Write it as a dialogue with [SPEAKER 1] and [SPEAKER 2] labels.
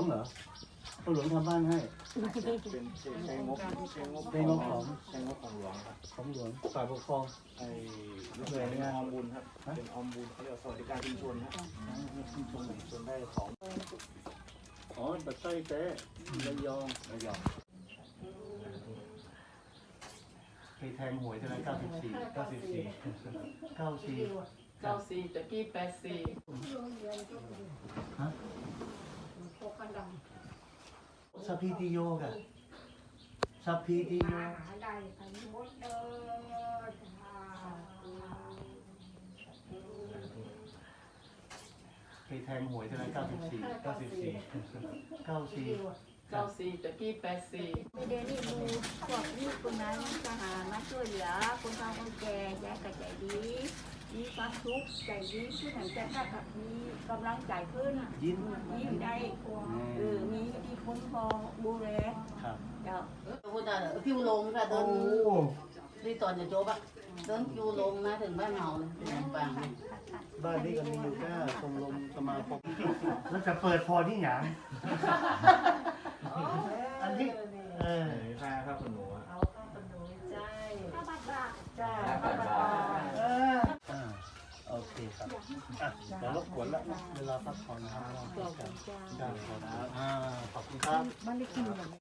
[SPEAKER 1] งเหรอพ่อหลวงทำบ้านให้
[SPEAKER 2] เป็นใช้งบของหลวงครับ
[SPEAKER 1] ของหลวงฝ่ายปกครอง
[SPEAKER 2] ไอ้หน่วยงานออมบุญครับเป็นออมบุญเขาเรียกสวัสดิการชุมชนครับชุมชนได้ของ
[SPEAKER 1] อ๋อปัตตานีเต้ระยองเคยแทงหวยเท่าไหร่94ตะกี้84ฮะสัพพิติโยกะสัพพิติโยเคยแทงหวยเท่าไหร่94ตะกี้84
[SPEAKER 3] ไม่ได้รีบดูพวกนี้คนนั้นจะหามาช่วยเหลือคนเฒ่าคนแก่ยายก็ใจดีมีความทุกข์ใจดีขึ้นหลังจากนั้นก็มีกำลังใจขึ้นยิ้มได้มีที่คุ้มครองดูแล
[SPEAKER 1] ครับ
[SPEAKER 3] เจ้า
[SPEAKER 4] คิวลงค่ะเดินที่ตอนจะโจบะเดินคิวลงนะถึงบ้านเฮาเลยปัง
[SPEAKER 1] บ้านนี้ก็มีอยู่แค่ชมรมสมาคมแล้วจะเปิดพอที่หยังอันที่
[SPEAKER 2] ค่าครับคุณหนู
[SPEAKER 3] เอาข้าวขนมใจข้าวบาท
[SPEAKER 4] จ้า
[SPEAKER 1] โอเคครับเดี๋ยวรบกวนละเวลาพักผ่อนนะครับขอบคุณครับ